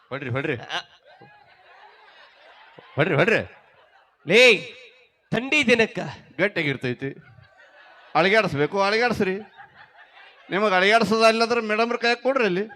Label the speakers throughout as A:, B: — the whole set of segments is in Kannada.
A: ಹೊಡ್ರಿ ಹೊಡ್ರಿ ಹೊಡ್ರಿ ಹೊಡ್ರಿ
B: ಲೇ ಥಂಡಿ ದಿನಕ್ಕ
A: ಗಟ್ಟಿಯಾಗಿರ್ತೈತಿ. ಅಳಿಗಾಡಿಸ್ಬೇಕು, ಅಳಿಗಾಡಿಸ್ರಿ. ನಿಮಗೆ ಅಳಿಗಾಡಿಸೋದ ಇಲ್ಲಂದ್ರೆ ಮೇಡಮ್ರ ಕೈ ಕೊಡ್ರಿ ಅಲ್ಲಿ.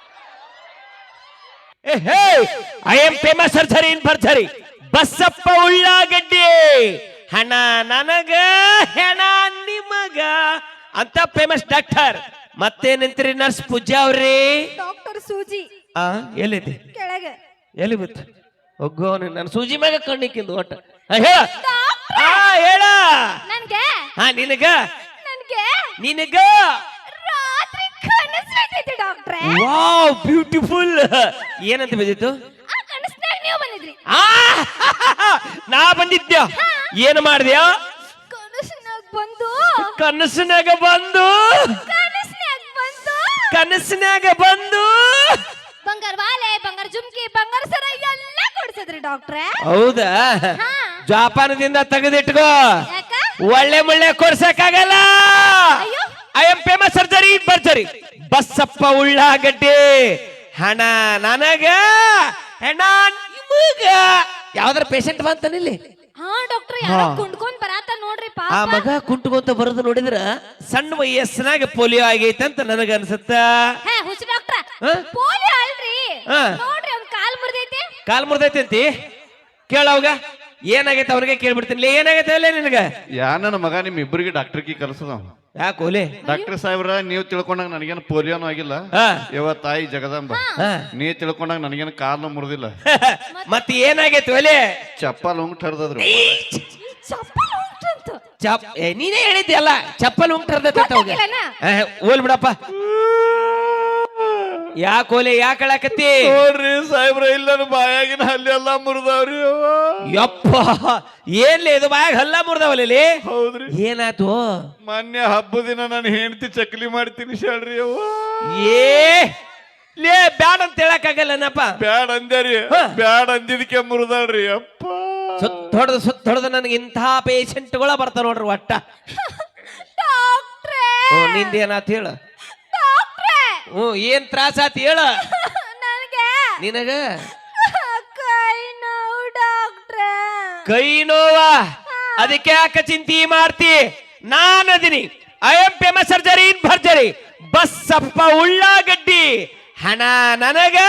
B: I am famous surgery in ಭರ್ಜರಿ ಬಸಪ್ಪ ಉಳ್ಳಾಗಡ್ಡಿ. ಹಣ ನನಗ ಹೆಣ ನಿಮಗ ಅಂತ ಫೇಮಸ್ ಡಾಕ್ಟರ್. ಮತ್ತೇನಂತೀರಿ ನರ್ಸ್ ಪೂಜಾ ಅವ್ರಿ?
C: ಡಾಕ್ಟರ್ ಸೂಜಿ
B: ಎಲ್ಲೈತಿ?
C: ಕೆಳಗೆ.
B: ಎಲ್ಲಿ ಬಿತ್ತು? ಒಗ್ಗೋ ನನ್ನ ಸೂಜಿ ಮ್ಯಾಗ ಕಣ್ಣಿಕ್ಕಿಂದು ಒಟ್ಟ ಹೇಳ. ಹೇಳ.
C: ನನ್ಗೆ
B: ನಿನಗ
C: ನನ್ಗೆ
B: ನಿನಗ
C: ರಾತ್ರಿ ಕನಸು ಬಿದ್ದಿತ್ತು ಡಾಕ್ಟ್ರೇ.
B: Wow beautiful. ಏನಂತ ಬಿದ್ದಿತ್ತು?
C: ಆ ಕನಸ್ನಾಗ ನೀವು ಬಂದಿದ್ರಿ.
B: ನಾ ಬಂದಿದ್ದೆ. ಏನು ಮಾಡ್ದ್ಯಾ?
C: ಕನಸ್ನಾಗ ಬಂದು
B: ಕನಸಿನಾಗ ಬಂದು ಕನಸಿನಾಗ ಬಂದು
C: ಬಂಗಾರ ವಾಲೆ, ಬಂಗಾರ ಜುಮ್ಕಿ, ಬಂಗಾರ ಸರ ಎಲ್ಲ ಕೊಡ್ಸಿದ್ರಿ ಡಾಕ್ಟ್ರೇ.
B: ಹೌದಾ? ಜಾಪಾನದಿಂದ ತೆಗೆದಿಟ್ಕೋ.
C: ಯಾಕ?
B: ಒಳ್ಳೆ ಮುಳ್ಳೆ ಕೊಡ್ಸಕ್ಕಾಗಲ್ಲ.
C: ಅಯ್ಯೋ
B: ಐ ಆಮ್ ಫೇಮಸ್ ಸರ್ಜರಿ ಭರ್ಜರಿ ಬಸಪ್ಪ ಉಳ್ಳಾಗಡ್ಡಿ. ಹಣ ನನಗ ಹೆಣ ನಿಮಗ. ಯಾವ್ದಾರ ಪೇಷಂಟ್ ಬಂತಾನಿಲ್ಲಿ?
C: ಹಾ ಡಾಕ್ಟರ್ ಯಾರೋ ಕುಂಡ್ಕೊಂಡ್ ಬರಾತ ನೋಡ್ರಿ ಪಾಪ.
B: ಆ ಮಗ ಕುಂಟ್ಕೊಂತ ಬರೋದು ನೋಡಿದ್ರ ಸಣ್ಣ ವಯಸ್ಸಿನಾಗ ಪೋಲಿಯೋ ಆಗೈತೆ ಅಂತ ನನಗ ಅನ್ಸುತ್ತ.
C: ಹೇ ಹುಚ್ಚ ಡಾಕ್ಟ್ರ, ಪೋಲಿಯೋ ಅಲ್ರಿ. ನೋಡ್ರಿ ಅವ್ನ್ ಕಾಲ್ ಮುರಿದೈತೆ.
B: ಕಾಲ್ ಮುರಿದೈತೆ ಅಂತಿ? ಕೇಳವಾಗ ಏನಾಗೈತೆ ಅವನಿಗೆ ಕೇಳ್ಬಿಡ್ತೀನಿ. ಏನಾಗೈತೆ ಅಲ್ಲೇ ನಿನಗ?
A: ಯಾ ನನ್ನ ಮಗ ನಿಮ್ ಇಬ್ಬರಿಗೆ ಡಾಕ್ಟರ್ಗೆ ಕಲ್ಸದ.
B: ಯಾಕೆ ಓಲೆ?
A: ಡಾಕ್ಟರ್ ಸಾಹೇಬ್ರ, ನೀವು ತಿಳ್ಕೊಂಡಾಗ ನನಗೇನು ಪೋಲಿಯೋನು ಆಗಿಲ್ಲ. ಇವತ್ತು ತಾಯಿ ಜಗದಾಂಬ ನೀ ತಿಳ್ಕೊಂಡಾಗ ನನಗೇನು ಕಾಲು ಮುರಿದಿಲ್ಲ.
B: ಮತ್ತೆ ಏನಾಗೈತೆ ಒಲೆ?
A: ಚಪ್ಪಲ್ ಉಂಗ್ ಹರಿದ್ರು.
C: ಚಪ್ಪಲ್ ಉಂಟಂತ.
B: ನೀನೇ ಹೇಳಿದ್ದೆ ಅಲ್ಲ, ಚಪ್ಪಲ್ ಉಂಗ್ ಹರ್ದೈತೆ. ಓಲ್ ಬಿಡಪ್ಪ. ಯಾಕೆ ಓಲೆ? ಯಾಕೆ ಹೇಳಕತ್ತಿ?
A: ನೋಡ್ರಿ ಸಾಹೇಬ್ರ, ಇಲ್ಲ ಬಾಯಾಗಿನ ಹಲ್ಲಿ ಎಲ್ಲ ಮುರಿದವ್ರಿ.
B: ಯಪ್ಪ ಏನ್ಲಿ ಇದು ಬಾಯಾಗ ಹಲ್ಲ ಮುರಿದವಲ್ಲಿ?
A: ಹೌದ್ರಿ.
B: ಏನಾಯ್ತು?
A: ಮೊನ್ನೆ ಹಬ್ಬದ ದಿನ ನಾನು ಹೆಂಡತಿ ಚಕ್ಲಿ ಮಾಡ್ತೀನಿ ಹೇಳ್ರಿ.
B: ಲೇ ಬ್ಯಾಡ ಅಂತ ಹೇಳಕ್ಕಾಗಲ್ಲನಪ್ಪ.
A: ಬ್ಯಾಡ್ ಅಂದ್ಯಾರಿ, ಬ್ಯಾಡ್ ಅಂದಿದ್ಕೆ ಮುರಿದಾಳ್ರಿ. ಅಪ್ಪ
B: ಸುತ್ತ ಹೊಡೆದ ನನಗೆ ಇಂತಹ ಪೇಷಂಟ್ಗಳ ಬರ್ತಾವ ನೋಡ್ರಿ ಒಟ್ಟ.
C: ಡಾಕ್ಟ್ರೇ
B: ನಿಂದೇನಾತ್ ಹೇಳ.
C: ಡಾಕ್ಟ್ರೇ
B: ಏನ್ ತ್ರಾಸ ಆತ್ ಹೇಳ.
C: ನನಗೆ
B: ನಿನಗ
C: ಕೈ ನೋವು ಡಾಕ್ಟ್ರೇ.
B: ಕೈ ನೋವ? ಅದಕ್ಕೆ ಯಾಕೆ ಚಿಂತೆ ಮಾಡ್ತಿ? ನಾನು ಅದೀನಿ. I am famous surgery in ಭರ್ಜರಿ ಬಸಪ್ಪ ಉಳ್ಳಾಗಡ್ಡಿ. ಹಣ ನನಗ.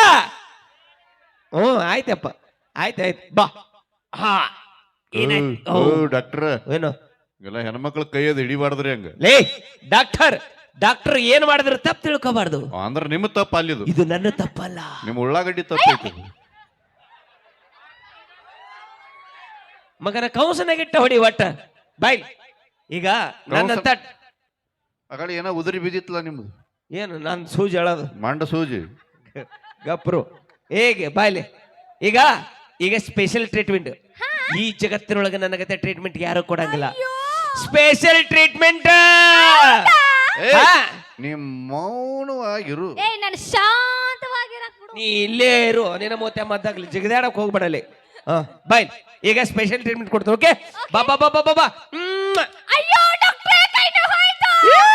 B: ಆಯ್ತಪ್ಪ, ಆಯ್ತಾಯ್ತು ಬಾ. ಹಾ
A: ಡಾಕ್ಟರ್
B: ಏನು
A: ಎಲ್ಲ ಹೆಣ್ಮಕ್ಳ ಕೈಯದ್ ಹಿಡಿಬಾರ್ದ್ರಿ ಹಂಗ.
B: ಲೇ ಡಾಕ್ಟರ್ ಏನ್ ಮಾಡಿದ್ರೆ ತಪ್ಪು ತಿಳ್ಕೋಬಾರ್ದು.
A: ಅಂದ್ರ ನಿಮ್ ತಪ್ಪ ಅಲ್ಲಿದು.
B: ಇದು ನನ್ನ ತಪ್ಪಲ್ಲ.
A: ನಿಮ್ ಉಳ್ಳಾಗಡ್ಡಿ ತಪ್ಪೈತಿ.
B: ಮಗನ ಕೌಸನಾಗಿಟ್ಟ ಹೊಡಿ ಒಟ್ಟ ಬಾಯ್. ಈಗ ನನ್ನಂತ
A: ಅಗಡಿ ಏನೋ ಉದುರಿ ಬಿದ್ದಿತ್ತಲ್ಲ ನಿಮ್ದು.
B: ಏನು ನಾನು ಸೂಜಿ ಹೇಳೋದು?
A: ಮಂಡ ಸೂಜಿ.
B: ಗಪ್ರು ಹೇಗೆ ಬಾಯ್ಲೆ. ಈಗ ಸ್ಪೆಷಲ್ ಟ್ರೀಟ್ಮೆಂಟ್. ಈ ಜಗತ್ತಿನೊಳಗೆ ನನಗತ್ತೆ ಟ್ರೀಟ್ಮೆಂಟ್ ಯಾರು ಕೊಡಂಗಿಲ್ಲ. Special treatment.
A: ನಿಮ್ ಮೌನವಾಗಿರು.
C: ನಾನು ಶಾಂತವಾಗಿರಕ್ ಬಿಡು.
B: ನೀ ಇಲ್ಲೇ ಇರು. ನಿನ್ನ ಮೂವತ್ತೆ ಮದ್ದಾಗ್ಲಿ ಜಿಗದಾಡಕ್ ಹೋಗ್ಬೇಡಲ್ಲಿ. ಬಾಯ್ ಈಗ ಸ್ಪೆಷಲ್ ಟ್ರೀಟ್ಮೆಂಟ್ ಕೊಡ್ತೀವಿ. ಓಕೆ ಬಾ ಬಾ ಬಾ ಬಾ ಬಾ ಬಾ.
C: ಅಯ್ಯೋ ಡಾಕ್ಟ್ರೇ ಕೈ ನೋವು ಆಯ್ತು.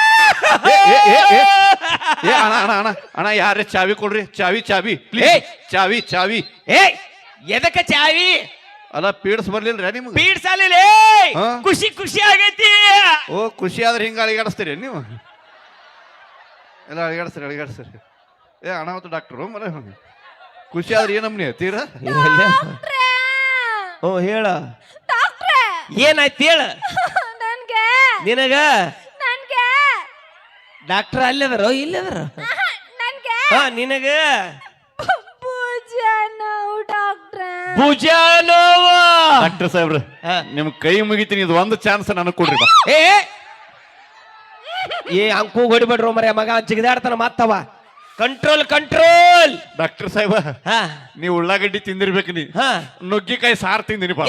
A: ಅಣ್ಣ ಯಾರೇ ಚಾವಿ ಕೊಡ್ರಿ. ಚಾವಿ ಚಾವಿ ಚಾವಿ.
B: ಎದಕ್ಕ ಚಾವಿ?
A: ಅಲ್ಲ ಪೀಡ್ಸ್ ಬರ್ಲಿಲ್ರ ನಿಮ್ಗೆ?
B: ಪೀಡ್ಸ್ ಅಲ್ಲಿಲ್ಲ. ಖುಷಿ ಆಗೈತಿ.
A: ಓ ಖುಷಿ ಆದ್ರೆ ಹಿಂಗ ಅಳಿಗಾಡಿಸ್ತೀರಿ ನೀವು? ಎಲ್ಲ ಅಳಿಗಾಡಿಸ್ತೀರಿ. ಅಣ್ಣ ಮತ್ತು ಡಾಕ್ಟ್ರು ಮರ ಖುಷಿ ಆದ್ರೆ ಏನಮ್ಮನಿ ತೀರಾ?
B: ಹೇಳ
C: ಡಾಕ್ಟ್ರೇ
B: ಏನಾಯ್ತು ಹೇಳ.
C: ನನ್ಗೆ
B: ನಿನಗ
C: ನನ್ಗೆ
B: ಡಾಕ್ಟರ್ ಅಲ್ಲದಾರೋ ಇಲ್ಲದಾರ?
C: ನನ್ಗೆ
B: ನಿನಗ
C: ಭುಜ ನೋವು ಡಾಕ್ಟ್ರೇ.
B: ಭುಜ ನೋವು.
A: ಡಾಕ್ಟರ್ ಸಾಹೇಬ್ರ ನಿಮ್ ಕೈ ಮುಗಿತೀನಿ. ಇದು ಒಂದು ಚಾನ್ಸ್ ನನಗೆ ಕೊಡ್ರಿ.
B: ಅಂಕು ಹೊಡಿಬೇಡ್ರು ಮರ ಮಗ ಜಿಗದಾಡ್ತಾನ ಮತ್ತವ. ಕಂಟ್ರೋಲ್.
A: ಡಾಕ್ಟರ್ ಸಾಹೇಬ ನೀವು ಉಳ್ಳಾಗಡ್ಡಿ ತಿಂದಿರ್ಬೇಕು. ನೀ ನುಗ್ಗಿಕಾಯಿ ಸಾರು ತಿಂದಿನಿ ಬಾ.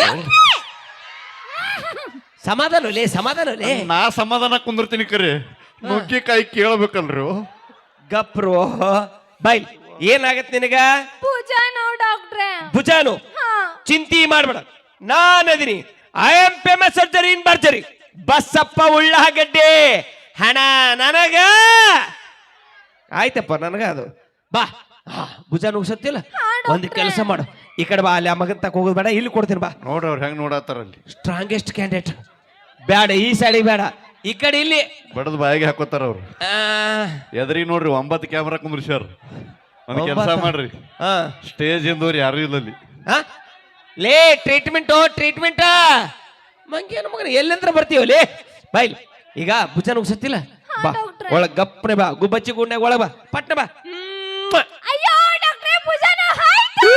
B: ಸಮಾಧಾನ
A: ನಾ ಸಮಾಧಾನ ಕುಂದಿರ್ತೀನಿ ಕರೆ. ನುಗ್ಗಿಕಾಯಿ ಕೇಳಬೇಕಲ್ರಿ.
B: ಗಪ್ರು ಬೈ. ಏನಾಗತ್ ನಿನಗ?
C: ಭುಜ ನೋವು ಡಾಕ್ಟ್ರೇ.
B: ಭುಜಾನು ಚಿಂತಿ ಮಾಡ್ಬೇಡ. ನಾನದಿನಿ. I am famous surgery in ಭರ್ಜರಿ ಬಸಪ್ಪ ಉಳ್ಳಾಗಡ್ಡಿ. ಹಣ ನನಗ. ಆಯ್ತಪ್ಪ ನನಗ ಅದು. ಬಾ ಭುಜ ನುಗ್ಸತ್ತಿಲ್ಲ
C: ಹಾ,
B: ಒಂದ್
C: ಡಾಕ್ಟ್ರೇ.
B: ಕೆಲಸ ಮಾಡು ಈ ಕಡೆ ಬಾ ಅಲ್ಲಿ ಆ ಮಗನ್ ತಕ ಹೋಗೋದು ಬೇಡ ಇಲ್ಲಿ ಕೊಡ್ತೀನಿ ಬಾ
A: ನೋಡ್ರಿ ಅವ್ರು ಹೆಂಗ್ ನೋಡತ್ತಾರಲ್ಲಿ
B: ಸ್ಟ್ರಾಂಗೆಸ್ಟ್ ಕ್ಯಾಂಡಿಡೇಟ್ ಬೇಡ ಈ ಸೈಡಿಗೆ ಬೇಡ ಈ ಕಡೆ ಇಲ್ಲಿ
A: ಬಡದ್ ಬಾಯಿಗೆ ಹಾಕೋತಾರ ಅವ್ರು
B: ಆ,
A: ಎದ್ರಿಗೆ ನೋಡ್ರಿ 9 ಕ್ಯಾಮ್ರಾ ಕುಂದ್ರಿಸ್ಯಾರ ಒಂದ್ ಕೆಲಸ
B: 9?
A: ಮಾಡ್ರಿ
B: ಆ,
A: ಸ್ಟೇಜ್ ಇಂದವ್ರು ಯಾರು ಇಲ್ಲಲ್ಲಿ
B: ಆ? ಲೇ ಟ್ರೀಟ್ಮೆಂಟ್ ಮಂಗೇನು ಮಗನ ಎಲ್ಲಂತ್ರ ಬರ್ತೀವ ಲೇ ಬಾಯ್ ಈಗ ಭುಜ ನುಗ್ಸತ್ತಿಲ್ಲ ಬಾ
C: ಡಾಕ್ಟ್ರೇ.
B: ಒಳಗ್ ಗಪ್ನೆ ಬಾ ಗುಬ್ಬಚ್ಚಿ ಗುಂಡ್ಯಾಗ ಒಳಗ್ ಬಾ ಪಟ್ನ ಬಾ
C: ಅಯ್ಯೋ ಡಾಕ್ಟ್ರೇ ಭುಜನ ಹಾಯ್ತು.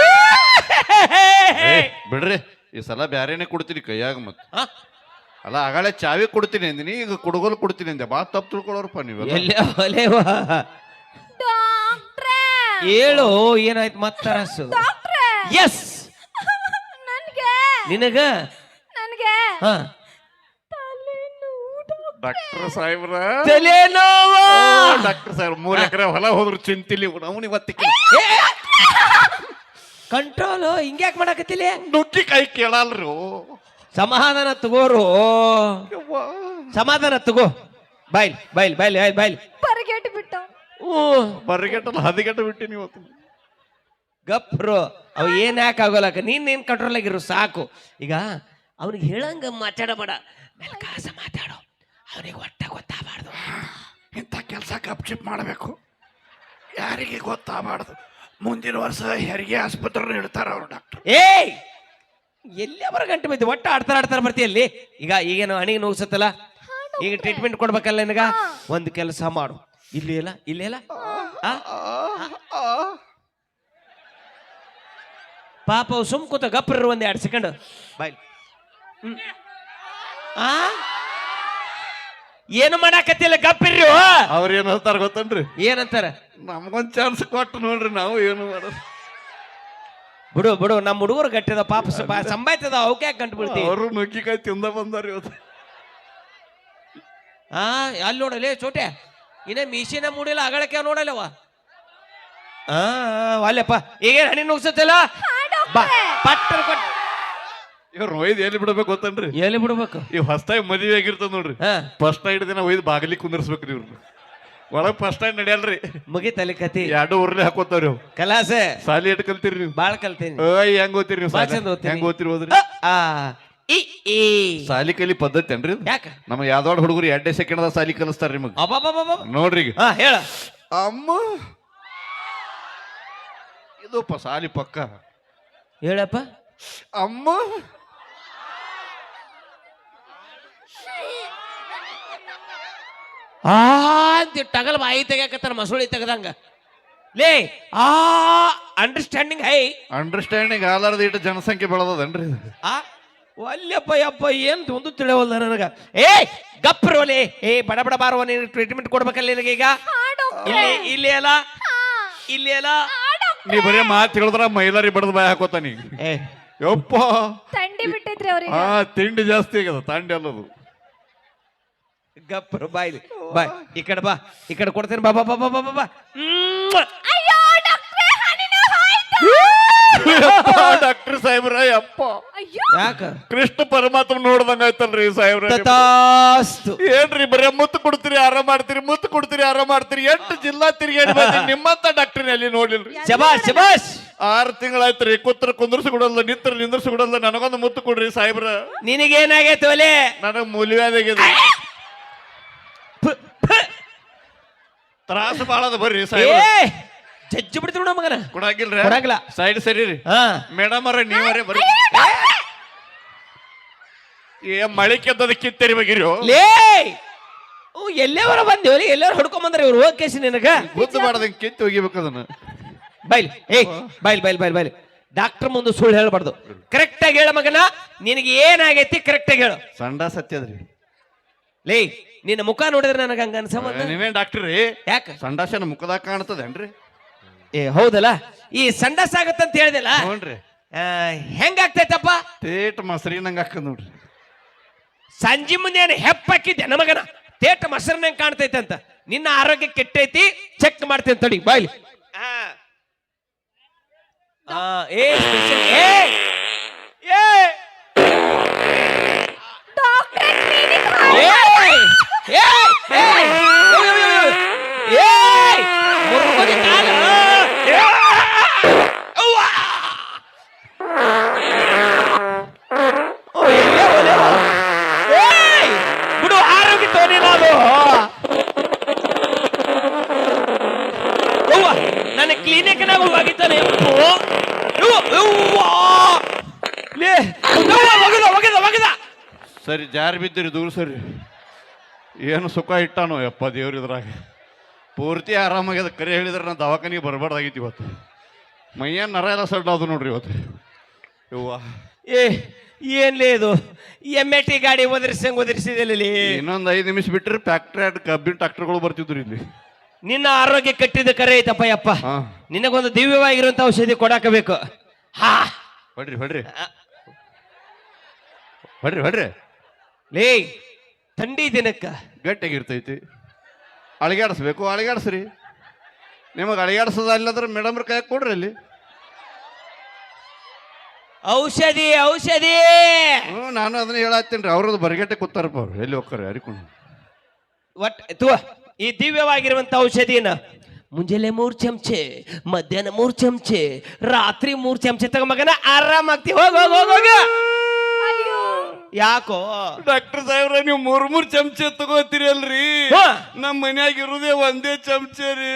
A: ಬಿಡ್ರಿ ಈ ಸಲ ಬ್ಯಾರೇನೆ ಕೊಡ್ತೀನಿ ಕೈಯಾಗ ಮತ್
B: ಆ?
A: ಅಲ್ಲ ಆಗಳೇ ಚಾವಿ ಕೊಡ್ತೀನಿ ಅಂದಿನಿ ಈಗ ಕುಡುಗೋಲು ಕೊಡ್ತೀನಿ ಅಂದೆ ಬಾ ತಪ್ಪು ತಿಳ್ಕೊಳ್ಳೋರಪ್ಪ ನೀವೆಲ್ಲ
B: ಎಲ್ಲೇ ಒಲೆವಾ
C: ಡಾಕ್ಟ್ರೇ
B: ಹೇಳು ಏನಾಯ್ತು ಮತ್ತರಸು
C: ಡಾಕ್ಟ್ರೇ
B: ಎಸ್
C: ನನ್ಗೆ
B: ನಿನಗ
C: ನನ್ಗೆ
B: ಹಾ
C: ತಲೆನೋವು
A: ಡಾಕ್ಟರ್ ಸಾಹೇಬ್ರ
B: ತಲೆನೋವ
A: ಡಾಕ್ಟರ್ ಸಾಹೇಬ್ರ 3 ಎಕರೆ ಹೊಲ ಹೋದ್ರು ಚಿಂತಿಲಿ ಅವನು ಇವತ್ತಿಗೆ
B: ಕಂಟ್ರೋಲ್ ಹಿಂಗ್ಯಾಕ್ ಮಾಡಕತ್ತಿಲ್ಲ
A: ನುಗ್ಗಿ ಕೈ ಕೇಳಲ್ರು
B: ಸಮಾಧಾನ ತಗೋರು ಸಮಾಧಾನ ತಗೋ ಬಾಯ್ಲ್ ಬಾಯ್ಲ್ ಬಾಯ್ಲ್ ಬಾಯ್ಲ್ ಬಾಯ್ಲ್
C: ಪರಿಗೆಟ್ ಬಿಟ್ಟ
A: ಬರ್ಗೆಟ್ಟಲ್ಲ ಹದಿಗೆಟ್ಟು ಬಿಟ್ಟಿನಿ ಇವತ್ತು
B: ಗಪ್ರು ಅವ್ ಏನ್ ಯಾಕೆ ಆಗೋಲಕ ನೀನ್ ಕಂಟ್ರೋಲ್ ಆಗಿರು ಸಾಕು ಈಗ ಅವ್ನಿಗೆ ಹೇಳಂಗ ಮಾತಾಡಬೇಡ ಮೆಲ್ಕಾಸ ಮಾತಾಡು ಅವನಿಗೆ ಒಟ್ಟ ಗೊತ್ತಾಗಬಾರ್ದು
A: ಇಂಥ ಕೆಲಸ ಕಪ್ಚಿಪ್ ಮಾಡಬೇಕು ಯಾರಿಗೆ ಗೊತ್ತಾಗಬಾರ್ದು ಮುಂದಿನ ವರ್ಷ ಹೆರಿಗೆ ಆಸ್ಪತ್ರೆ ಇಡ್ತಾರ ಅವ್ರು ಡಾಕ್ಟರ್
B: ಏಯ್ ಎಲ್ಲಿ ಅವರ ಗಂಟೆ ಬಿದ್ದು ಒಟ್ಟ ಆಡ್ತಾರ ಬರ್ತೀಯಲ್ಲಿ ಈಗ ಈಗೇನು ಹಣಿಗೆ ನೋಗ್ಸತ್ತಲ್ಲ ಈಗ ಟ್ರೀಟ್ಮೆಂಟ್ ಕೊಡ್ಬೇಕಲ್ಲ ನಿನಗ ಒಂದು ಕೆಲಸ ಮಾಡು ಇಲ್ಲಿ ಇಲ್ಲ ಆ? ಪಾಪ ಅವ್ ಸುಮ್ ಕೂತ ಗಪ್ರ ಒಂದ್ 2 ಸೆಕೆಂಡ್ ಬಾಯ್ ಆ ಏನು ಮಾಡಾಕತ್ತಿಲ್ಲ ಗಪ್ಪಿರ್ರಿ
A: ಅವ್ರ ಏನ್ ಹೇಳ್ತಾರ ಗೊತ್ತನ್ರಿ
B: ಏನಂತಾರ
A: ನಮ್ಗೊಂದ್ ಚಾನ್ಸ್ ಕೊಟ್ಟು ನೋಡ್ರಿ ನಾವು ಏನು ಮಾಡೋದು
B: ಬಿಡು ನಮ್ಮ ಹುಡುಗರು ಗಟ್ಟಿದ ಪಾಪ ಸಂಬಾಯ್ತದ ಅವಕ್ಕೆ ಯಾಕೆ ಗಂಟು ಬಿಡ್ತೀವಿ
A: ಅವರು ನುಗ್ಗಿಕಾಯಿ ತಿಂದ ಬಂದಾರ ಇವತ್ತು
B: ಆ ಅಲ್ಲಿ ನೋಡಲೇ ಚೋಟೆ ಇನ್ನ ಮೀಸಿನ ಮೂಡಿಲ್ಲ ಅಗಳಕ್ಕೆ ನೋಡಲ್ಲವ ಅಲ್ಲಪ್ಪ ಈಗೇನು ಹಣ್ಣಿ ನುಗ್ಸತ್ತಲ್ಲ ಬಾ ಪಟ್ಟರ್ ಕೊಟ್ಟು
A: ಇವ್ರು ಒಯ್ದು ಎಲ್ಲಿ ಬಿಡ್ಬೇಕು ಗೊತ್ತನ್ರಿ
B: ಎಲ್ಲಿ ಬಿಡ್ಬೇಕು
A: ಇವ್ ಹೊಸ್ತಾಗಿ ಮದುವೆ ಆಗಿರ್ತದ ನೋಡ್ರಿ
B: ಹಾ
A: ಫಸ್ಟ್ ನೈಟ್ ದಿನ ಒಯ್ದು ಬಾಗಿಲಿ ಕುಂದರ್ಸ್ಬೇಕ್ರಿ ಇವ್ರು ಒಳಗ್ ಫಸ್ಟ್ ನೈಟ್ ನಡೆಯಲ್ರಿ
B: ಮುಗಿತಲ್ಲಿ ಕತಿ
A: 2 ಉರ್ಲಿ ಹಾಕೋತಾವ್ರಿ ಅವ್
B: ಕಲಾಸೆ
A: ಸಾಲಿ ಎಟ್ ಕಲ್ತೀರಿ ನೀವು
B: ಬಾಳ್ ಕಲ್ತೀನಿ
A: ಹೆಂಗ್ ಓದ್ತೀರಿ ನೀವು
B: ಬಾಳ್ ಚಂದ ಓದ್ತೀನಿ.
A: ಹೆಂಗ್ ಓದ್ತಿರಿ ಹೋದ್ರಿ
B: ಆ ಇ ಈ
A: ಸಾಲಿ ಕಲಿ ಪದ್ಧತಿ ಏನ್ರಿ ಇದು?
B: ಯಾಕ
A: ನಮ್ಮ ಯಾವ್ದಾಡ್ ಹುಡುಗರು 2 ಸೆಕೆಂಡ್ ಸಾಲಿ ಕಲಿಸ್ತಾರ ನಿಮಗ್
B: ಅಬ್ಬಬ್ಬಬ್ಬ
A: ನೋಡ್ರಿ ಈಗ
B: ಹಾ ಹೇಳ
A: ಅಮ್ಮ ಇದಪ್ಪ ಸಾಲಿ ಪಕ್ಕ
B: ಹೇಳಪ್ಪ
A: ಅಮ್ಮ
B: ಆ ಅಂತ ಟಗಲ್ ಬಾಯಿ ತೆಗ್ಯಾಕತ್ತಾರ ಮಸುಳಿ ತೆಗದಂಗ ಲೇ ಆ ಅಂಡರ್ಸ್ಟ್ಯಾಂಡಿಂಗ್ ಹೈ
A: ಅಂಡರ್ಸ್ಟ್ಯಾಂಡಿಂಗ್ ಆಲಾರ್ದ ಇಟ್ಟು ಜನಸಂಖ್ಯೆ ಬೆಳೆದದನ್ರಿ ಇದು.
B: ಆ ಒಲ್ಲೆಪ್ಪ ಯಪ್ಪ ಏನ್ ಒಂದು ತಿಳಿಯವಲ್ಲ ನನಗ ಏ ಗಪ್ರೋಲೆ ಏ ಬಡ ಬಡ ಬಾರುವ ನೀನು ಟ್ರೀಟ್ಮೆಂಟ್ ಕೊಡ್ಬೇಕಲ್ಲ ನಿನಗೆ ಈಗ ಇಲ್ಲಿ ಅಲ್ಲ ಇಲ್ಲಿ ಅಲ್ಲ
A: ನೀ ಬರೀ ಮಾತು ಹೇಳಿದ್ರ ಮೈಲಾರಿ ಬಡದ ಬಾಯಿ ಹಾಕೋತಾನಿ
B: ಏ
A: ಯಪ್ಪ
C: ತಂಡಿ ಬಿಟ್ಟಿದ್ರಿ ಅವ್ರಿಗೆ
A: ಹಾ ತಿಂಡಿ ಜಾಸ್ತಿ ಆಗ್ಯದ ತಾಂಡಿ ಅಲ್ಲದು
B: ಗಪ್ರು ಬಾಯ್ ಬಾಯ್ ಈ ಕಡೆ ಬಾ ಈ ಕಡೆ ಕೊಡ್ತೇನೆ ಬಾ ಬಾ ಬಾ ಬಾ ಬಾ ಬಾ ಬಾ
C: ಅಯ್ಯೋ ಡಾಕ್ಟ್ರೇ ಹನಿನ ಹಾಯ್ತು.
A: ಡಾಕ್ಟರ್ ಸಾಹೇಬ್ರ ಯಪ್ಪ
C: ಅಯ್ಯೋ
B: ಯಾಕ
A: ಕೃಷ್ಣ ಪರಮಾತ್ಮ ನೋಡ್ದಂಗ ಆಯ್ತಲ್ರಿ ಸಾಹೇಬ್ರ
B: ತಥಾಸ್ತು
A: ಏನ್ರಿ ಬರೀ ಮುತ್ತು ಕೊಡ್ತೀರಿ ಆರಾಮ್ ಮಾಡ್ತೀರಿ ಮುತ್ತು ಕೊಡ್ತೀರಿ ಆರಾಮ್ ಮಾಡ್ತೀರಿ 8 ಜಿಲ್ಲಾ ತಿರುಗಾಡಿ ಬಂದಿನಿ ನಿಮ್ಮಂತ ಡಾಕ್ಟರ್ ಅಲ್ಲಿ ನೋಡಿಲ್ರಿ
B: ಶಬಾಷ್ ಶಬಾಷ್
A: 6 ತಿಂಗಳಾಯ್ತ್ರಿ ಕುಂದ್ರಸಿ ಕೊಡಲ್ಲ ನಿಂದ್ರಸಿ ಕೊಡಲ್ಲ ನನಗೊಂದು ಮುತ್ತು ಕೊಡ್ರಿ ಸಾಹೇಬ್ರ
B: ನಿನಗೇನಾಗೈತೆ ಒಲೆ
A: ನನಗ್ ಮೂಲ್ಯವಾದಾಗಿದೆ ತ್ರಾಸ ಬಾಳದ ಬರ್ರಿ ಸಾಹೇಬ್ರ
B: ಏ ಜಜ್ಜು ಬಿಡ್ತೀವಿ ನೋಡ ಮಗನ
A: ಕೊಡಾಗಿಲ್ರಿ
B: ಕೊಡಂಗಿಲ್ಲ.
A: ಸೈಡ್ ಸರಿ ರೀ
B: ಹಾ
A: ಮೇಡಮ್ ಅವ್ರ ನೀವರೇ ಬರ್ರಿ ಏ ಮಳೆ ಕೆದ್ದದ ಕಿತ್ತರಿಬೇಕಿರಿ
B: ಲೇ ಎಲ್ಲೇವರ ಬಂದೇವಲಿ ಎಲ್ಲರೂ ಹೊಡ್ಕೊಂಡ್ ಬಂದ್ರೆ ಇವ್ರು ಹೋಗ್ ಕೇಸಿ ನಿನಗ
A: ಗುದ್ದು ಮಾಡದಂಗೆ ಕಿತ್ತು ಒಗಿಬೇಕು ಅದನ್ನ
B: ಬೈಲ್ ಏ ಬೈಲ್ ಡಾಕ್ಟರ್ ಮುಂದೆ ಸುಳ್ಳು ಹೇಳ್ಬಾರ್ದು ಕರೆಕ್ಟ್ ಆಗಿ ಹೇಳ ಮಗನ ನಿನಗೆ ಏನಾಗೈತಿ ಕರೆಕ್ಟ್ ಆಗಿ ಹೇಳು
A: ಸಂಡ ಸತ್ಯದ್ರಿ
B: ಲೇ ನಿನ್ನ ಮುಖ ನೋಡಿದ್ರೆ ನನಗೆ ಹಂಗ ಅನ್ಸಬಂದ
A: ನೀವೇನ್ ಡಾಕ್ಟರ್ ರೀ
B: ಯಾಕ
A: ಸಂಡಾಸನ ಮುಖದಾಗ ಕಾಣ್ತದೇನ್ರಿ
B: ಏ ಹೌದಲ್ಲ ಈ ಸಂಡಸ್ ಆಗತ್ತಂತ ಹೇಳಿದಲ್ಲ
A: ನೋಡ್ರಿ
B: ಹೆಂಗಾಗ್ತೈತಪ್ಪ
A: ತೇಟ್ ಮೊಸರಿನಂಗ ಹಾಕದ್ ನೋಡ್ರಿ
B: ಸಂಜೆ ಮುಂದೆ ಹೆಪ್ಪಾಕಿದ್ದೆ ನಮಗನ ತೇಟ ಮೊಸರನ್ನ ಕಾಣ್ತೈತೆ ಅಂತ ನಿನ್ನ ಆರೋಗ್ಯ ಕೆಟ್ಟೈತಿ ಚೆಕ್ ಮಾಡ್ತೇನೆ ತಡಿ ಬಾಯ್ಲಿ ಏ special- ಏ
C: ಡಾಕ್ಟ್ರೇ ಕ್ಲಿನಿಕ್
B: ಏಯ್! ಏಯ್! ಏಯ್! ಏಯ್! ಮುರ್ಕೋದಿ ಕಾಲು! ಏಯ್! ಕಣ್ಣಾಗ ಒಗಿತಾನೆ ಒಗದ
A: ಸರಿ ಜಾರಿ ಬಿದ್ದಿರಿ ದೂರ ಸರಿ. ಏನು ಸುಖ ಇಟ್ಟಾನೋ ಯಪ್ಪ ದೇವ್ರ ಇದ್ರಾಗ. ಪೂರ್ತಿ ಆರಾಮಾಗ್ಯದ. ಕರೆ ಹೇಳಿದ್ರೆ ನಾನು ದವಾಖಾನಿಗೆ ಬರಬಾರ್ದಾಗಿತ್ತು ಇವತ್ತು. ಮೈಯನ್ ನರ ಎಲ್ಲ ಸಡ್ಡ ಅದು ನೋಡ್ರಿ ಇವತ್ತು. ಯವ್ವ
B: ಏನ್ಲೇ ಇದು MAT ಗಾಡಿ ಒದರಿಸಿದಲ್ಲಿ
A: ಇನ್ನೊಂದು 5 ನಿಮಿಷ ಬಿಟ್ಟರೆ ಫ್ಯಾಕ್ಟ್ರಿ ಕಬ್ಬಿನ ಟ್ರಾಕ್ಟರ್ಗಳು ಬರ್ತಿದ್ರು ಇಲ್ಲಿ.
B: ನಿನ್ನ ಆರೋಗ್ಯ ಕಟ್ಟಿದ ಕರೆ ಐತಪ್ಪ ಯಪ್ಪ.
A: ಹಾ
B: ನಿನಗೊಂದು ದಿವ್ಯವಾಗಿರುವಂತ ಔಷಧಿ ಕೊಡಾಕಬೇಕು. ಹಾ
A: ಹೊಡ್ರಿ ಹೊಡ್ರಿ ಹೊಡ್ರಿ ಹೊಡ್ರಿ.
B: ಲೇ ಥಂಡಿ ದಿನಕ್ಕ
A: ಗಟ್ಟಿಯಾಗಿರ್ತೈತಿ. ಅಳಿಗಾಡಿಸ್ಬೇಕು, ಅಳಿಗಾಡಿಸ್ರಿ. ನಿಮಗೆ ಅಳಿಗಾಡಿಸೋದ ಅಲ್ಲಂದ್ರೆ ಮೇಡಮ್ರ ಕೈ ಕೊಡ್ರಿ ಅಲ್ಲಿ.
B: ಔಷಧಿ ಔಷಧಿ.
A: ನಾನು ಅದನ್ನ ಹೇಳತ್ತೀನಿ ರೀ. ಅವ್ರದ್ದು ಬರಿಗಟ್ಟೆ ಕೂತಾರಪ್ಪ ಅವ್ರು. ಎಲ್ಲಿ ಹೋಗ್ತಾರೆ ಯಾರಿಕೊಂಡು.
B: ಈ ದಿವ್ಯವಾಗಿರುವಂತ ಔಷಧಿನ ಮುಂಜಾನೆ 3 ಚಮಚೆ, ಮಧ್ಯಾಹ್ನ 3 ಚಮಚೆ, ರಾತ್ರಿ 3 ಚಮಚೆ ತಗೊಂಬಗನ ಆರಾಮಾಗ್ತಿ. ಹೋಗ ಹೋಗ ಹೋಗ ಹೋಗ. ಯಾಕೋ
A: ಡಾಕ್ಟರ್ ಸಾಹೇಬ್ರ ನೀವು 3 ಚಮಚೆ ತಗೋತೀರಿ ಅಲ್ರಿ? ನಮ್ಮ ಮನ್ಯಾಗ ಇರುದೇ ಒಂದೇ ಚಮಚೆ ರೀ.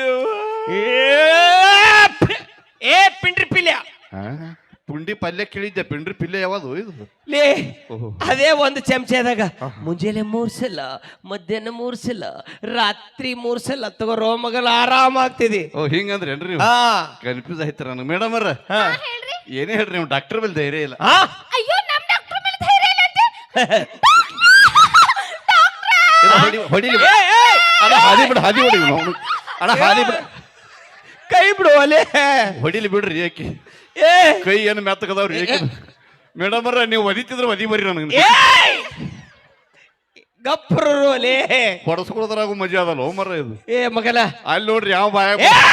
B: ಏ ಪಿಂಡ್ರಿ ಪಿಲ್ಯ.
A: ಪುಂಡಿ ಪಲ್ಯ ಕೇಳಿದ್ದೆ. ಪಿಂಡ್ರಿ ಪಿಲ್ಯ ಯಾವುದು ಇದು?
B: ಲೇ ಅದೇ 1 ಚಮಚೆದಾಗ ಮುಂಜಾನೆ 3 ಸಲ, ಮಧ್ಯಾಹ್ನ 3 ಸಲ, ರಾತ್ರಿ 3 ಸಲ ತಗೋರೋ ಮಗಲ್ ಆರಾಮಾಗ್ತಿದಿ.
A: ಓ ಹಿಂಗಂದ್ರೇನ್ರಿ? ಕನ್ಫ್ಯೂಸ್ ಆಯ್ತಾರ ನನಗೆ. ಮೇಡಮ್ ಅವ್ರ ಏನೇ ಹೇಳ್ರಿ, ನೀವು ಡಾಕ್ಟರ್ ಮೇಲೆ ಧೈರ್ಯ ಇಲ್ಲ.
C: ಅಯ್ಯೋ ನಮ್ ಡಾಕ್ಟರ್ ಮೇಲೆ ಧೈರ್ಯ ಇಲ್ಲ ಅಂತ.
A: ಹೊಡಿಲಿ ಅಣ್ಣ, ಹಾದಿ ಬಿಡ ಹಾದಿ ಹೊಡಿ ಅಣ್ಣ, ಹಾದಿ ಬಿಡ.
B: ಕೈ ಬಿಡು ಅಲೆ.
A: ಹೊಡಿಲಿ ಬಿಡ್ರಿ. ಏಕೆ ಕೈ ಏನು ಮೆತ್ತಗದವ್ರಿ? ಏಕೆ ಮೇಡಮ್ ಅವ್ರ ನೀವು ಒದಿತಿದ್ರೆ ಒದಿ ಬರ್ರಿ ನನಗೆ.
B: ಗಪ್ರು ಅಲೆ
A: ಹೊಡಸ್ಕೊಳೋದ್ರಾಗು ಮಜಾ ಅದಲ್ಲ ಮರ ಇದು.
B: ಮಗಲ
A: ಅಲ್ಲಿ ನೋಡ್ರಿ ಯಾವ ಬಾಯ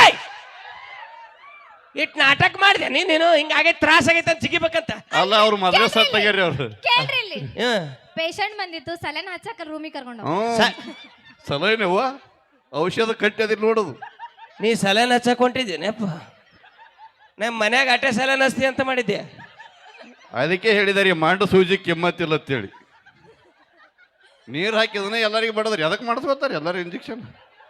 B: ಇಟ್ ನಾಟಕ ಮಾಡಿದೆ ನೀನು. ಹಿಂಗಾಗೈತೆ ತ್ರಾಸ ಆಗೈತೆ ಅಂತ ಸಿಗಿಬೇಕಂತ.
A: ಅಲ್ಲ ಅವ್ರು ಮೊದಲೇ ಸಟ್ ಆಗ್ಯಾರಿ ಅವ್ರು.
C: ಕೇಳ್ರಿ ಇಲ್ಲಿ. ಪೇಷಂಟ್ ಬಂದಿತ್ತು, ಸಲನ್ ಹಚ್ಚಕ ರೂಮಿಗೆ ಕರ್ಕೊಂಡು
A: ಸಲಹೆನವ್ವ ಔಷಧ ಕಟ್ಟಿ ಅದಿಲ್ಲ ನೋಡೋದು.
B: ನೀ ಸಲನ್ ಹಚ್ಚಕ್ ಹೊಂಟಿದ್ದೀನಪ್ಪ. ನಮ್ಮ ಮನ್ಯಾಗ ಅಟೆ ಸಲನ್ ಹಚ್ತಿ ಅಂತ ಮಾಡಿದ್ದೆ.
A: ಅದಕ್ಕೆ ಹೇಳಿದಾರೆ ಮಾಂಡ ಸೂಜಿ ಕೆಮ್ಮತ್ತಿಲ್ಲ ಅಂತೇಳಿ. ನೀರು ಹಾಕಿದನೆ ಎಲ್ಲರಿಗೆ ಬಡದ್ರಿ. ಅದಕ್ಕೆ ಮಾಡಿಸ್ಕೊತಾರೆ ಎಲ್ಲರೂ ಇಂಜೆಕ್ಷನ್.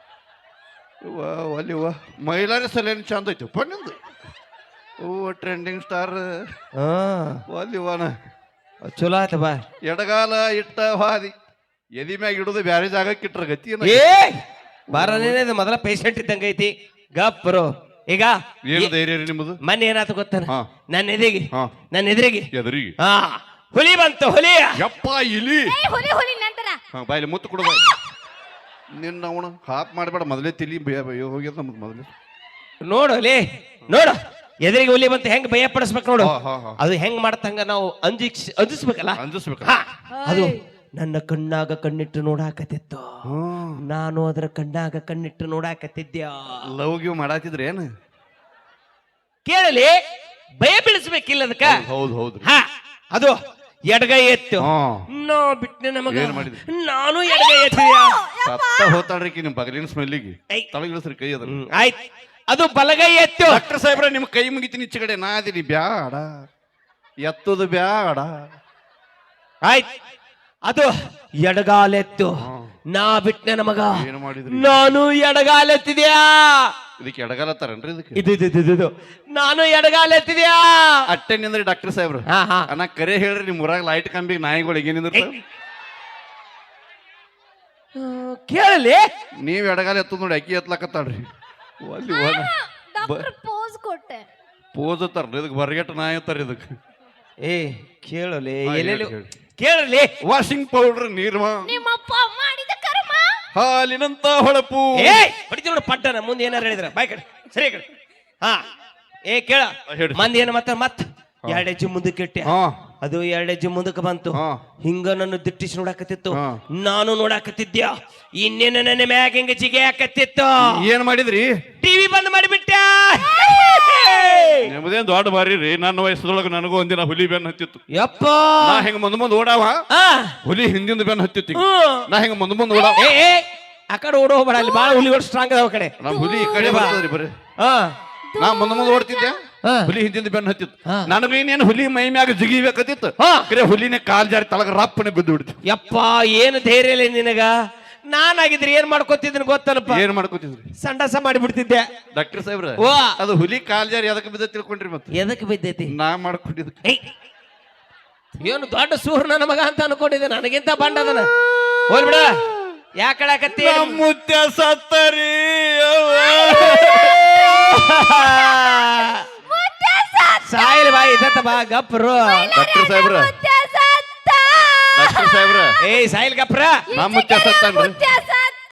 A: ಅಲ್ಲಿ ಮಹಿಳಾರಿ ಸಲಹೆ ಚಂದ ಐತಿ ನಿಂದು. ಟ್ರೆಂಡಿಂಗ್ ಸ್ಟಾರ್ ಅಲ್ಲಿವಾನ
B: ಚಲೋ ಆಯ್ತ ಬಾ.
A: ಎಡಗಾಲ ಇಟ್ಟ ಹಾದಿ ಎದಿ ಮ್ಯಾಗ ಇಡುದು ಬ್ಯಾರೆ ಜಾಗಕ್ಕೆ ಇಟ್ರ ಗತಿ
B: ಬಾರನೇನೆ ಮೊದಲ ಪೇಷಂಟ್ ಇದ್ದಂಗ ಐತಿ. ಗಪ್ಪರು ಈಗ
A: ಏನು ಧೈರ್ಯ ರೀ ನಿಮ್ಮದು?
B: ಮೊನ್ನೆ ಏನಾಯ್ತು ಗೊತ್ತಾನ? ನನ್ನ ಎದುರಿಗೆ
A: ಎದುರಿಗೆ
B: ಹುಲಿ ಬಂತು. ಹುಲಿ
A: ಯಪ್ಪ ಇಲಿ.
C: ಹುಲಿ ಹುಲಿ ನಂತರ
A: ಬಾಯಲ್ಲಿ ಮುತ್ತು ಕೊಡು. ಬಾಯಿ ನಿನ್ನ ಅವನು ಹಾಪ್ ಮಾಡಬೇಡ. ಮೊದಲೇ ತಿಳಿ ಹೋಗ್ಯದ ನಮ್ಗೆ ಮೊದಲೇ.
B: ನೋಡು ಲೇ ನೋಡು, ಎದುರಿಗೆ ಹುಲಿ ಬಂತು ಹೆಂಗ್ ಭಯ ಪಡಿಸ್ಬೇಕು ನೋಡು. ಅದು ಹೆಂಗ್ ಮಾಡತ್ತಂಗ ನಾವು ಅಂಜಿಸ್ಬೇಕಲ್ಲ.
A: ಅಂಜಿಸ್ಬೇಕ.
B: ಅದು ನನ್ನ ಕಣ್ಣಾಗ ಕಣ್ಣಿಟ್ಟು ನೋಡಾಕತ್ತಿತ್ತು. ನಾನು ಅದರ ಕಣ್ಣಾಗ ಕಣ್ಣಿಟ್ಟು ನೋಡಾಕತ್ತಿದ್ಯ.
A: ಲವ್ ಗಿವ್ ಮಾಡಾತಿದ್ರೆ ಏನು
B: ಕೇಳಲಿ. ಭಯ ಬೀಳಿಸ್ಬೇಕಿಲ್ಲ ಅದಕ್ಕ.
A: ಹೌದು ಹೌದು.
B: ಅದು ಎಡಗೈ ಎತ್ತು. ನೋ ಬಿಟ್ಟನೆ ನಮಗ. ನಾನು ಎಡಗೈ ಎತ್ತಿದ್ಯಾ.
A: ಸತ್ತ ಹೋತಾಳ್ರಿ ನಿಮ್ ಬಗಲಿನ ಸ್ಮೆಲ್ಲಿಗೆ. ತಳಗಿಳಿಸ್ರಿ ಕೈ ಅದ.
B: ಆಯ್ತು, ಅದು ಬಲಗೈ ಎತ್ತು.
A: ಡಾಕ್ಟರ್ ಸಾಹೇಬ್ರ ನಿಮ್ ಕೈ ಮುಗಿತೀನಿ ಈಚೆ ಕಡೆ. ನಾ ಅದೀನಿ ಬ್ಯಾಡ, ಎತ್ತದು ಬ್ಯಾಡ.
B: ಆಯ್ತು, ಅದು ಎಡಗಾಲೆತ್ತು. ನಾ ಬಿಟ್ಟನೆ ನಮಗ.
A: ಏನು ಮಾಡಿದ್ರಿ?
B: ನಾನು ಎಡಗಾಲೆತ್ತಿದ್ಯಾ.
A: ಇದಕ್ಕೆ ಎಡಗಾಲತ್ತಾರನ್ರಿ? ಇದಕ್ಕೆ
B: ಇದು ನಾನು ಎಡಗಾಲೆತ್ತಿದ್ಯಾ.
A: ಅಟ್ಟೆ ನಿಂದ್ರಿ ಡಾಕ್ಟರ್ ಸಾಹೇಬ್ರ. ಅಣ್ಣ ಕರೆ ಹೇಳ್ರಿ, ನಿಮ್ ಊರಾಗ ಲೈಟ್ ಕಂಬಿಗೆ ನಾಯಿಗಳಿಗೆ ಏನಿದ್ರು
B: ಕೇಳಲಿ.
A: ನೀವ್ ಎಡಗಾಲ ಎತ್ತದ ನೋಡಿ, ಅಕ್ಕಿ ಎತ್ಲಾಕತ್ತಾಳ್ರಿ. ಅಲ್ಲಿ
C: ಡಾಕ್ಟರ್ ಪೋಸ್ ಕೊಟ್ಟೆ.
A: ಪೋಸ್ ಅತ್ತಾರ ಇದಕ್ಕೆ. ಬರಗೆಟ್ಟ ನಾಯಿ ಅತ್ತಾರ ಇದಕ್ಕೆ.
B: ಕೇಳಲಿ ಎಲ್ಲೆಲ್ಲಿ ಕೇಳಲಿ.
A: ವಾಷಿಂಗ್ ಪೌಡರ್, ನೀರ್ಮ,
C: ನಿಮ್ಮಪ್ಪ ಮಾಡಿದ ಕರ್ಮ,
A: ಹಾಲಿನಂತ ಹೊಳಪು.
B: ಹೊಡಿತಿ ನೋಡು ಪಟ್ಟನ. ಮುಂದೆ ಏನಾರು ಹೇಳಿದ್ರ ಬಾಯ್ ಕಡೆ ಸರಿ ಕಡೆ. ಕೇಳ ಮಂದಿ ಏನ ಮತ್ತ 2 ಹೆಜ್ಜೆ ಮುಂದಕ್ಕೆ ಇಟ್ಟೆ. ಅದು 2 ಹೆಜ್ಜೆ ಮುಂದಕ್ಕೆ ಬಂತು. ಹಿಂಗ ನನ್ನ ದಿಟ್ಟಿಸಿ ನೋಡಾಕತ್ತಿತ್ತು. ನಾನು ನೋಡಾಕತ್ತಿದ್ಯ. ಇನ್ನೇನ ನನ್ನ ಮ್ಯಾಗ ಹಿಂಗ ಜಿಗೆ ಹಾಕತ್ತಿತ್ತು.
A: ಏನ್ ಮಾಡಿದ್ರಿ?
B: ಟಿವಿ ಬಂದ್ ಮಾಡಿಬಿಟ್ಟ.
A: ನಿಮ್ಮದೇನ್ ದೊಡ್ಡ ಬಾರಿ ರೀ. ನನ್ನ ವಯಸ್ಸದೊಳಗ ನನಗೂ ಒಂದಿನ ಹುಲಿ ಬೆನ್ನ ಹತ್ತಿತ್ತು.
B: ಯಪ್ಪ
A: ನಾ ಹೆಂಗ ಮುಂದ್ ಓಡಾವ, ಹುಲಿ ಹಿಂದಿಂದ ಬೆನ್ನ ಹತ್ತಿತ್ತು. ನಾ ಹೆಂಗ ಮುಂದ್ ಓಡಾವ.
B: ಆ ಕಡೆ ಓಡ ಹೋಗ್ಬೇಡ, ಅಲ್ಲಿ ಬಾಳ ಹುಲಿಗಳು ಸ್ಟ್ರಾಂಗ್ ಅದಾವ ಕಡೆ.
A: ನಮ್ ಹುಲಿ ಈ ಕಡೆ ಬರ್ತದ್ರಿ ಬರೀ. ನಾ ಮುಂದ್ ಓಡ್ತಿದ್ದೆ, ಹುಲಿ ಹಿಂದಿಂದ ಬೆನ್ನ ಹತ್ತಿತ್ತು. ನನಗೂ ಇನ್ನೇನು ಹುಲಿ ಮೈ ಮ್ಯಾಗ ಜಿಗಿಬೇಕತ್ತಿತ್ತು. ಹುಲಿನೇ ಕಾಲ್ ಜಾರಿ ತಳಗ ರಪ್ಪನೆ ಬಿದ್ದು ಬಿಡ್ತು.
B: ಯಪ್ಪ ಏನು ಧೈರ್ಯ ಇಲ್ಲ ನಿನಗ. ನಾನಾಗಿದ್ರೆ ಏನ್ ಮಾಡ್ಕೊತಿದ್ದೀನಿ ಗೊತ್ತಲ್ಲಪ್ಪ,
A: ಏನ್ ಮಾಡ್ಕೋತಿದ್ರಿ?
B: ಸಂಡಾಸ ಮಾಡಿಬಿಡ್ತಿದ್ದೆ.
A: ಡಾಕ್ಟರ್ ಸಾಹೇಬ್ರ
B: ಓ
A: ಅದು ಹುಲಿ ಕಾಲ್ ಜಾರಿ ಅದಕ್ಕೆ ಬಿದ್ದ ತಿಳ್ಕೊಂಡ್ರಿ ಮತ್ತೆ
B: ಎದಕ್ ಬಿದ್ದೈತಿ?
A: ನಾ ಮಾಡ್ಕೊಂಡಿದ್
B: ಏನು ದೊಡ್ಡ ಸೂರ್ ನನ್ನ ಮಗ ಅಂತ ಅನ್ಕೊಂಡಿದ್ದೆ, ನನಗಿಂತ ಬಂಡದನ. ಹೋಲ್ ಬಿಡ, ಯಾಕಳಕತ್ತಿ?
A: ಮುತ್ಯ ಸತ್ತರಿ
B: ಸಾಯಿಲ್ ಬಾಯಿ ಇದತ್ತ ಬಾ ಗಪ್ರು.
A: ಡಾಕ್ಟರ್ ಸಾಹೇಬ್ರ
C: ಮುತ್ಯ ಸತ್ತ.
A: ಡಾಕ್ಟರ್ ಸಾಹೇಬ್ರ
B: ಏಯ್ ಸಾಯಿಲ್ ಗಪ್ರ.
A: ನಾ ಮುತ್ಯ ಸತ್ತನ್ರಿ.
C: ಮುತ್ಯ ಸತ್ತ.